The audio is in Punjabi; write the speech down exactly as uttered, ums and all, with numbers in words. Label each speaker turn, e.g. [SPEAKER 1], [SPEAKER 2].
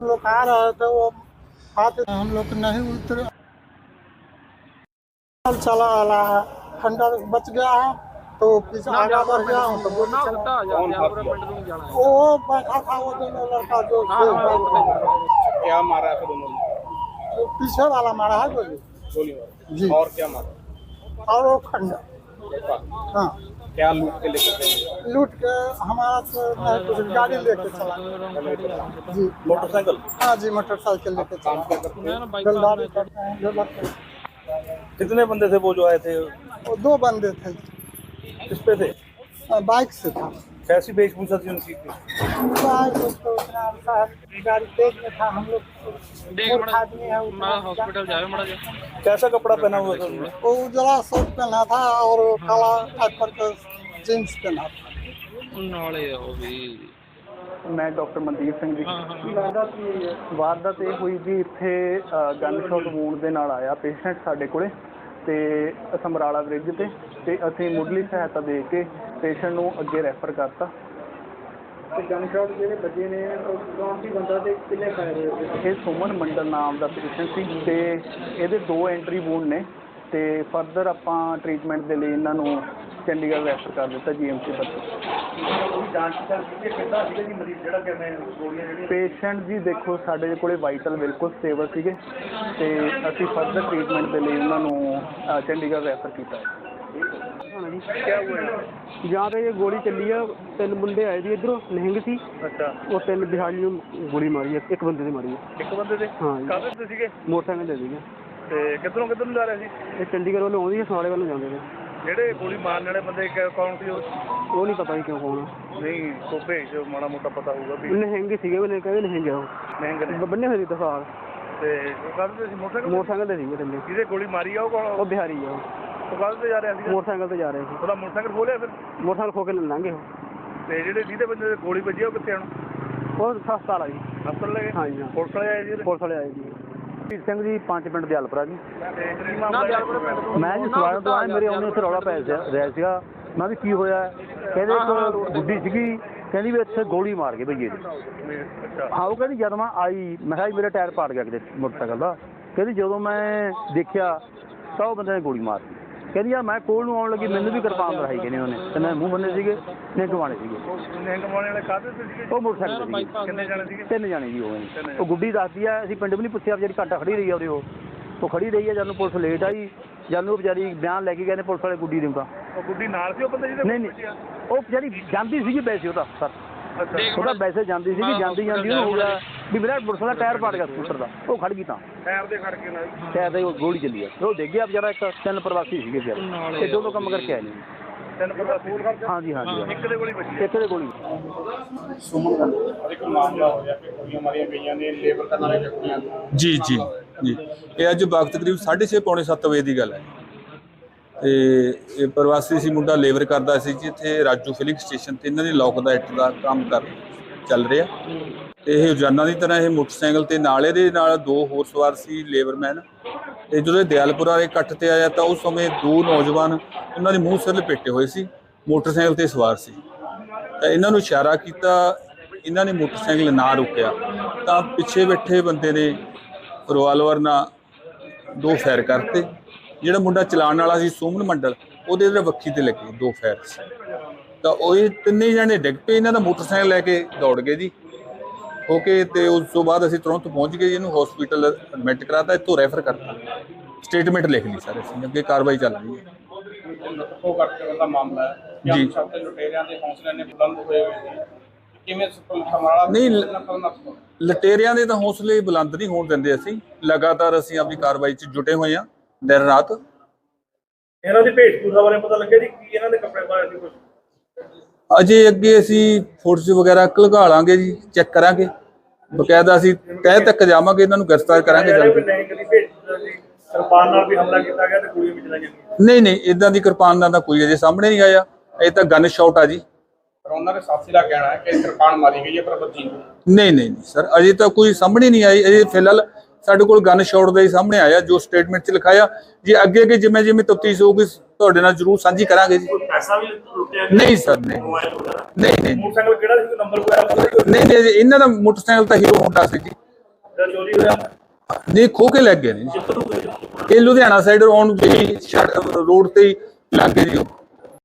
[SPEAKER 1] लोग आ रहे थे वो हाथ हम लोग नहीं उतरे चला वाला है खंडर बच गया है तो पीछे आगे बढ़ गया हूँ तो गोली चला वो बैठा था वो दोनों लड़का जो
[SPEAKER 2] क्या मारा है दोनों ने?
[SPEAKER 1] वो पीछे वाला मारा है गोली
[SPEAKER 2] गोली मारा
[SPEAKER 1] जी
[SPEAKER 2] और क्या मारा?
[SPEAKER 1] और वो खंडर हाँ
[SPEAKER 2] क्या लूट के लेकर गए?
[SPEAKER 1] लूट के हमारा तो नहीं कुछ गाड़ी लेके चला जी
[SPEAKER 2] मोटरसाइकिल?
[SPEAKER 1] हाँ जी मोटरसाइकिल लेके
[SPEAKER 2] काम क्या
[SPEAKER 1] चला
[SPEAKER 2] करते हैं?
[SPEAKER 1] जलदारी करते हैं लेबर करते हैं।
[SPEAKER 2] कितने बंदे थे वो जो आए थे?
[SPEAKER 1] वो दो बंदे थे
[SPEAKER 2] किस पे थे?
[SPEAKER 1] बाइक से था
[SPEAKER 2] कैसी वेशभूषा थी उनकी?
[SPEAKER 1] बाइक तो उतना साहब गाड़ी तेज में था हम लोग मूर्ख आदमी है उतना
[SPEAKER 3] हॉस्पिटल जाए मड़ा जा
[SPEAKER 2] कैसा कपड़ा पहना हुआ था उन्होंने?
[SPEAKER 1] वो उजला शर्ट पहना था और काला टाइप का जींस पहना था
[SPEAKER 3] नाले हो भी
[SPEAKER 4] मैं डॉक्टर मनदीप ਸਿੰਘ ਜੀ ਵਾਰਦਾਤ ਇਹ ਹੋਈ ਜੀ ਇੱਥੇ ਗਨ ਸ਼ਾਟ ਵੂਨ ਦੇ ਨਾਲ ਆਇਆ ਪੇਸ਼ੈਂਟ ਸਾਡੇ ਕੋਲੇ ਤੇ ਸਮਰਾਲਾ ਬ੍ਰਿਜ ਤੇ ਤੇ ਅਸੀਂ ਮੁੱਢਲੀ ਸਹਾਇਤਾ ਦੇ ਕੇ ਪੇਸ਼ੈਂਟ ਨੂੰ ਅੱਗੇ ਰੈਫਰ ਕਰਤਾ ਤੇ ਗਨ ਸ਼ਾਟ ਜਿਹੜੇ ਵੱਜੇ ਨੇ ਕੌਣ ਸੀ ਬੰਦਾ ਤੇ ਕਿੰਨੇ ਫਾਇਰ ਹੋਏ? ਇਹ ਸੁਮਨ ਮੰਡਲ ਨਾਮ ਦਾ ਪੇਸ਼ੈਂਟ ਸੀ ਤੇ ਇਹਦੇ ਦੋ ਐਂਟਰੀ ਵੂਨ ਨੇ ਤੇ ਫਰਦਰ ਆਪਾਂ ਟ੍ਰੀਟਮੈਂਟ ਦੇ ਲਈ ਇਹਨਾਂ ਨੂੰ ਚੰਡੀਗੜ੍ਹ ਰੈਫਰ ਕਰ ਦਿੱਤਾ ਜੀ ਐਮ ਸੀ ਪੇਸ਼ੈਂਟ ਜੀ ਦੇਖੋ ਸਾਡੇ ਕੋਲੇ ਵਾਈਟਲ ਬਿਲਕੁਲ ਸਟੇਬਲ ਸੀਗੇ ਤੇ ਅਸੀਂ ਫਰਦਰ ਟ੍ਰੀਟਮੈਂਟ ਦੇ ਲਈ ਉਹਨਾਂ ਨੂੰ ਚੰਡੀਗੜ੍ਹ ਰੈਫਰ ਕੀਤਾ ਜਾਂ ਤਾਂ ਇਹ ਗੋਲੀ ਚੱਲੀ ਆ ਤਿੰਨ ਮੁੰਡੇ ਆਏ ਜੀ ਇੱਧਰੋਂ ਨਿਹੰਗ ਸੀ
[SPEAKER 2] ਅੱਛਾ
[SPEAKER 4] ਉਹ ਤਿੰਨ ਬਿਹਾਰੀ ਨੂੰ ਗੋਲੀ ਮਾਰੀ ਆ ਇੱਕ ਬੰਦੇ ਤੇ ਮਾਰੀ ਆ
[SPEAKER 2] ਇੱਕ ਬੰਦੇ ਤੇ?
[SPEAKER 4] ਹਾਂ ਜੀ
[SPEAKER 2] ਕਾਹਦੇ ਤੇ ਸੀਗੇ?
[SPEAKER 4] ਮੋਟਰਸਾਈਕਲ ਦੇ ਸੀਗੇ
[SPEAKER 2] ਤੇ ਕਿੱਧਰੋਂ ਕਿੱਧਰ ਨੂੰ ਜਾ ਰਹੇ ਸੀ?
[SPEAKER 4] ਇਹ ਚੰਡੀਗੜ੍ਹ ਵੱਲੋਂ ਆਉਂਦੀ ਹੈ ਸਮਾਲੇ ਵੱਲੋਂ ਜਾਂਦੇ ਨੇ
[SPEAKER 2] ਜਿਹੜੇ ਗੋਲੀ ਮਾਰਨ ਵਾਲੇ ਬੰਦੇ ਕ- ਕੌਣ ਸੀ ਉਹ?
[SPEAKER 4] ਉਹ ਨਹੀਂ ਪਤਾ ਜੀ ਕਿਉਂ ਕੌਣ
[SPEAKER 2] ਨਹੀਂ ਕੋ ਭੇਜ ਦਿਓ, ਮਾੜਾ ਮੋਟਾ ਪਤਾ ਹੋਊਗਾ ਵੀ
[SPEAKER 4] ਨਿਹੰਗ ਸੀਗੇ ਉਹਨੇ ਕਹਿੰਦੇ ਨਿਹੰਗ ਆ ਉਹ
[SPEAKER 2] ਮਹਿੰਗੇ ਨੇ।
[SPEAKER 4] ਬ- ਬੰਨੇ ਹੋਏ ਸੀ ਦਸਾਰ
[SPEAKER 2] ਤੇ ਉਹ ਕਾਹਦੇ ਤੇ ਸੀ? ਮੋਟਰਸਾਈਕਲ?
[SPEAKER 4] ਮੋਟਰਸਾਈਕਲ ਤੇ ਸੀਗੇ ਥੱਲੇ
[SPEAKER 2] ਜਿਹਦੇ ਗੋਲੀ ਮਾਰੀ ਆ ਉਹ ਕੌਣ?
[SPEAKER 4] ਉਹ ਬਿਹਾਰੀ ਆ ਉਹ
[SPEAKER 2] ਉਹ ਕਾਹਦੇ ਤੇ ਜਾ ਰਿਹਾ ਸੀ?
[SPEAKER 4] ਮੋਟਰਸਾਈਕਲ ਤੇ ਜਾ ਰਹੇ ਸੀ
[SPEAKER 2] ਉਹਦਾ ਮੋਟਰਸਾਈਕਲ ਖੋਲਿਆ ਫਿਰ?
[SPEAKER 4] ਮੋਟਰਸਾਈਕਲ ਖੋ ਕੇ ਲੰਘੇ ਉਹ
[SPEAKER 2] ਤੇ ਜਿਹੜੇ ਜਿਹਦੇ ਬੰਦੇ ਤੇ ਗੋਲੀ ਵੱਜੀ ਆ ਉਹ ਕਿੱਥੇ ਹੁਣ?
[SPEAKER 4] ਉਹ ਸਸਤਾ ਵਾਲਾ ਜੀ
[SPEAKER 2] ਹਸਪਤਾਲ ਲੈ ਗਏ?
[SPEAKER 4] ਹਾਂ ਜੀ ਹਾਂ
[SPEAKER 2] ਪੁਲਿਸ ਵਾਲੇ ਆਏ ਜੀ ਉਹਦੇ?
[SPEAKER 4] ਪੁਲਿਸ ਵਾਲੇ ਆਏ ਜੀ ਵੀਰ ਸਿੰਘ ਜੀ ਪੰਜ ਪਿੰਡ ਦੇ ਹਲਪਰਾ ਜੀ
[SPEAKER 2] ਤੇ ਕੀ ਮਾਮਲਾ ਹੈ?
[SPEAKER 4] ਮੈਂ ਜੀ ਸਵਾਲ ਤੋਂ ਆਇਆ ਮੇਰੇ ਉਹਨੇ ਉੱਥੇ ਰੌਲਾ ਪੈ ਰਿਹਾ ਸੀਗਾ ਮੈਂ ਵੀ ਕੀ ਹੋਇਆ ਕਹਿੰਦੇ ਇੱਕ ਗੁੱਡੀ ਸੀਗੀ ਕਹਿੰਦੀ ਵੀ ਇੱਥੇ ਗੋਲੀ ਮਾਰ ਗਏ ਭਈਏ ਦੀ
[SPEAKER 2] ਅੱਛਾ
[SPEAKER 4] ਹਾਂ ਉਹ ਕਹਿੰਦੀ ਜਦ ਮੈਂ ਆਈ ਮੈਂ ਕਿਹਾ ਜੀ ਮੇਰਾ ਟਾਇਰ ਪਾੜ ਗਿਆ ਕਿਤੇ ਮੋਟਰਸਾਈਕਲ ਦਾ ਕਹਿੰਦੀ ਜਦੋਂ ਮੈਂ ਦੇਖਿਆ ਤਾਂ ਉਹ ਬੰਦੇ ਨੇ ਗੋਲੀ ਮਾਰਤੀ ਕਹਿੰਦੀ ਯਾਰ ਮੈਂ ਕੋਲ ਨੂੰ ਆਉਣ ਲੱਗੀ ਮੈਨੂੰ ਵੀ ਕਿਰਪਾਨ ਦਿਖਾਈ ਕਹਿੰਦੇ ਉਹਨੇ ਤੇ ਮੈਂ ਮੂੰਹ ਬੰਨੇ ਸੀਗੇ ਨੇ ਗਵਾਣੇ ਸੀਗੇ
[SPEAKER 2] ਨਿਹੰਗ ਵਾਲੇ ਵਾਲੇ ਕਾਹਦੇ ਤੇ ਸੀਗੇ?
[SPEAKER 4] ਉਹ ਮੋਟਰਸਾਈਕਲ ਤੇ ਸੀਗੇ
[SPEAKER 2] ਕਿੰਨੇ ਜਾਣੇ ਸੀਗੇ?
[SPEAKER 4] ਤਿੰਨ ਜਾਣੇ ਜੀ ਉਹ ਨੇ ਉਹ ਗੁੱਡੀ ਦੱਸਦੀ ਆ ਅਸੀਂ ਪਿੰਡ ਵੀ ਨਹੀਂ ਪੁੱਛਿਆ ਵਿਚਾਰੀ ਘੰਟਾ ਖੜੀ ਰਹੀ ਆ ਉਹਦੇ ਉਹ ਉਹ ਖੜੀ ਰਹੀ ਆ ਜਦ ਨੂੰ ਪੁਲਿਸ ਲੇਟ ਆਈ ਜਦ ਨੂੰ ਵਿਚਾਰੀ ਬਿਆਨ ਲੈ ਕੇ ਗਏ ਨੇ ਪੁਲਿਸ ਵਾਲੇ ਗੁੱਡੀ ਦੇ ਤਾਂ
[SPEAKER 2] ਉਹ ਗੁੱਡੀ ਨਾਲ ਸੀ ਉਹ ਬੰਦੇ ਜਿਹਦੇ?
[SPEAKER 4] ਨਹੀਂ ਨਹੀਂ ਉਹ ਵਿਚਾਰੀ ਜਾਂਦੀ ਸੀਗੀ ਵੈਸੇ ਉਹਦਾ ਸਰ ਉਹਦਾ ਵੈਸੇ ਜਾਂਦੀ ਸੀਗੀ ਜਾਂਦੀ ਜਾਂਦੀ ਉਹਨੂੰ ਹੋ ਗਿਆ ਵੀ ਮੇਰਾ ਪੁਲਿਸ ਦਾ ਟਾਇਰ ਪਾੜ ਗਿਆ ਸਕੂਟਰ ਦਾ ਉਹ ਖੜ ਗਈ ਤਾਂ
[SPEAKER 2] ਟਾਇਰ ਦੇ ਖੜ ਕੇ ਨਾਲ
[SPEAKER 4] ਟਾਇਰ ਤੇ ਉਹ ਗੋਲੀ ਚੱਲੀ ਆ ਉਹ ਡਿੱਗ ਗਿਆ ਵਿਚਾਰਾ ਇੱਕ ਤਿੰਨ ਪ੍ਰਵਾਸੀ ਸੀਗੇ ਵਿਚਾਰੇ ਇਹ ਦੋ ਕੰਮ ਕਰਕੇ ਆਏ ਨੇ
[SPEAKER 2] ਤਿੰਨ ਪਤਾ ਫੂਲ ਖੜ
[SPEAKER 4] ਹਾਂਜੀ ਹਾਂਜੀ
[SPEAKER 2] ਇੱਕ ਦੇ ਗੋਲੀ ਵੱਜੀ
[SPEAKER 4] ਇੱਕ ਦੇ ਗੋਲੀ
[SPEAKER 2] ਇੱਕ ਮਾਮਲਾ ਹੋ ਗਿਆ ਕਿ ਗੋਲੀਆਂ ਮਾਰੀਆਂ ਗਈਆਂ ਨੇ ਲੇਬਰ ਕਰਨ ਵਾਲੇ ਵਿਅਕਤੀਆਂ ਨੂੰ।
[SPEAKER 5] ਜੀ ਜੀ ਜੀ ਇਹ ਅੱਜ ਵਕਤ ਕਰੀਬ ਸਾਢੇ ਛੇ ਪੌਣੇ ਸੱਤ ਵਜੇ ਦੀ ਗੱਲ ਹੈ ਤੇ ਇਹ ਪ੍ਰਵਾਸੀ ਸੀ ਮੁੰਡਾ ਲੇਬਰ ਕਰਦਾ ਸੀ ਜੀ ਇੱਥੇ ਰਾਜੂ ਫਿਲਿੰਗ ਸਟੇਸ਼ਨ ਤੇ ਇਹਨਾਂ ਦੀ ਲੋਕ ਦਾ ਇੱਟ ਦਾ ਕੰਮ ਕਰ ਚੱਲ ਰਿਹਾ ਤੇ ਇਹ ਰੋਜ਼ਾਨਾ ਦੀ ਤਰ੍ਹਾਂ ਇਹ ਮੋਟਰਸਾਈਕਲ ਤੇ ਨਾਲ ਇਹਦੇ ਨਾਲ ਦੋ ਹੋਰ ਸਵਾਰ ਸੀ ਲੇਬਰਮੈਨ ਤੇ ਜਦੋਂ ਇਹ ਦਿਆਲਪੁਰਾ ਦੇ ਕੱਟ ਤੇ ਆਇਆ ਤਾਂ ਉਸ ਸਮੇਂ ਦੋ ਨੌਜਵਾਨ ਉਹਨਾਂ ਦੇ ਮੂੰਹ ਸਿਰ ਲਪੇਟੇ ਹੋਏ ਸੀ ਮੋਟਰਸਾਈਕਲ ਤੇ ਸਵਾਰ ਸੀ ਤਾਂ ਇਹਨਾਂ ਨੂੰ ਇਸ਼ਾਰਾ ਕੀਤਾ ਇਹਨਾਂ ਨੇ ਮੋਟਰਸਾਈਕਲ ਨਾ ਰੁਕਿਆ ਤਾਂ ਪਿੱਛੇ ਬੈਠੇ ਬੰਦੇ ਨੇ ਰਿਵਾਲਵਰ ਨਾਲ ਦੋ ਫਾਇਰ ਕਰਤੇ ਜਿਹੜਾ ਮੁੰਡਾ ਚਲਾਉਣ ਵਾਲਾ ਸੀ ਸੁਮਨ ਮੰਡਲ ਉਹਦੇ ਇਧਰ ਵੱਖੀ ਤੇ ਲੱਗੇ ਦੋ ਫਾਇਰ ਤਾਂ ਉਹ ਇਹ ਤਿੰਨੇ ਜਣੇ ਡਿੱਗ ਪਏ ਇਹਨਾਂ ਦਾ ਮੋਟਰਸਾਈਕਲ ਲੈ ਕੇ ਦੌੜ ਗਏ ਜੀ ਹੋ ਕੇ ਤੇ ਉਸ ਤੋਂ ਬਾਅਦ ਅਸੀਂ ਤੁਰੰਤ ਪਹੁੰਚ ਗਏ ਇਹਨੂੰ ਹਸਪੀਟਲ ਐਡਮਿਟ ਕਰਾਤਾ ਇੱਥੋਂ ਰੈਫਰ ਕਰਤਾ ਸਟੇਟਮੈਂਟ ਲਿਖ ਲਈ ਸਾਰੇ ਅਸੀਂ ਅੱਗੇ ਕਾਰਵਾਈ ਚੱਲ ਰਹੀ ਹੈ
[SPEAKER 2] ਉਹ ਕਰਕੇ ਦਾ ਮਾਮਲਾ ਹੈ
[SPEAKER 5] ਜੀ।
[SPEAKER 2] ਸਭ ਤੋਂ ਲੁਟੇਰਿਆਂ ਦੇ ਹੌਸਲੇ ਨੇ ਬੁਲੰਦ ਹੋਏ ਹੋਏ ਨੇ ਕਿਵੇਂ ਸਮਰਾਲਾ
[SPEAKER 5] ਨਹੀਂ ਲਟੇਰਿਆਂ ਦੇ ਤਾਂ ਹੌਸਲੇ ਬੁਲੰਦ ਨਹੀਂ ਹੋਣ ਦਿੰਦੇ ਅਸੀਂ ਲਗਾਤਾਰ ਅਸੀਂ ਆਪਣੀ ਕਾਰਵਾਈ 'ਚ ਜੁਟੇ ਹੋਏ ਹਾਂ ਦਿਨ ਰਾਤ
[SPEAKER 2] ਇਹਨਾਂ ਦੀ ਭੇਟਪੂਰਾ ਬਾਰੇ ਪਤਾ ਲੱਗਿਆ ਜੀ ਕੀ ਇਹਨਾਂ ਦੇ ਕੱਪੜੇ ਪਾਏ ਸੀ ਕੁਝ?
[SPEAKER 5] ਅਜੇ ਅੱਗੇ ਅਸੀਂ ਫੋਟੋਸ ਵਗੈਰਾ ਘਲਗਾ ਲਾਂਗੇ ਜੀ ਚੈੱਕ ਕਰਾਂਗੇ ਬਕਾਇਦਾ ਅਸੀਂ ਤਹਿ ਤੱਕ ਜਾਵਾਂਗੇ ਇਹਨਾਂ ਨੂੰ ਗ੍ਰਿਫਤਾਰ ਕਰਾਂਗੇ ਜਲਦੀ
[SPEAKER 2] ਨਹੀਂ ਕਦੀ ਭੇਟਪੂਰਾ ਜੀ ਕਿਰਪਾਨ ਨਾਲ ਵੀ ਹਮਲਾ ਕੀਤਾ ਗਿਆ ਤੇ ਗੋਲੀਆਂ ਵੀ ਚਲਾਈਆਂ ਗਈਆਂ।
[SPEAKER 5] ਨਹੀਂ ਨਹੀਂ ਇਦਾਂ ਦੀ ਕਿਰਪਾਨ ਦਾ ਤਾਂ ਕੋਈ ਅਜੇ ਸਾਹਮਣੇ ਨਹੀਂ ਆਇਆ ਇਹ ਤਾਂ ਗਨ ਸ਼ਾਟ ਆ ਜੀ
[SPEAKER 2] ਪਰ ਉਹਨਾਂ ਦੇ ਸਾਥੀ ਦਾ ਕਹਿਣਾ ਹੈ ਕਿ ਕਿਰਪਾਨ ਮਾਰੀ ਗਈ ਹੈ ਪਰ ਬੱਚੀ
[SPEAKER 5] ਨਹੀਂ ਨਹੀਂ ਨਹੀਂ ਸਰ ਅਜੇ ਤਾਂ ਕੋਈ ਸਾਹਮਣੇ ਨਹੀਂ ਆਈ ਅਜੇ ਫਿਲਹਾਲ ਸਾਡੇ ਕੋਲ ਗਨ ਸ਼ਾਟ ਦਾ ਹੀ ਸਾਹਮਣੇ ਆਇਆ ਜੋ ਸਟੇਟਮੈਂਟ 'ਚ ਲਿਖਾਇਆ ਜੀ ਅੱਗੇ ਅੱਗੇ ਜਿਵੇਂ ਜਿਵੇਂ ਤਫਤੀਸ਼ ਹੋਊਗੀ ਤੁਹਾਡੇ ਨਾਲ ਜ਼ਰੂਰ ਸਾਂਝੀ ਕਰਾਂਗੇ ਜੀ
[SPEAKER 2] ਪੈਸਾ ਵੀ ਲੁੱਟਿਆ
[SPEAKER 5] ਨਹੀਂ ਸਰ ਨਹੀਂ ਨਹੀਂ ਨਹੀਂ
[SPEAKER 2] ਮੋਟਰਸਾਈਕਲ ਕਿਹੜਾ ਸੀ ਨੰਬਰ ਵਗੈਰਾ
[SPEAKER 5] ਨਹੀਂ ਨਹੀਂ ਇਹਨਾਂ ਦਾ ਮੋਟਰਸਾਈਕਲ ਤਾਂ ਹੀਰੋ ਹੋਂਡਾ ਸੀ ਜੀ
[SPEAKER 2] ਜਿਹੜਾ ਚੋਰੀ ਹੋਇਆ
[SPEAKER 5] ਨਹੀਂ ਖੋ ਕੇ ਲੈ ਗਏ ਨੇ ਜੀ। ਇਹ ਲੁਧਿਆਣਾ ਸਾਈਡ ਆਉਣ ਦੀ ਰੋਡ ਤੇ ਹੀ ਲੱਗ ਗਏ ਜੀ ਉਹ।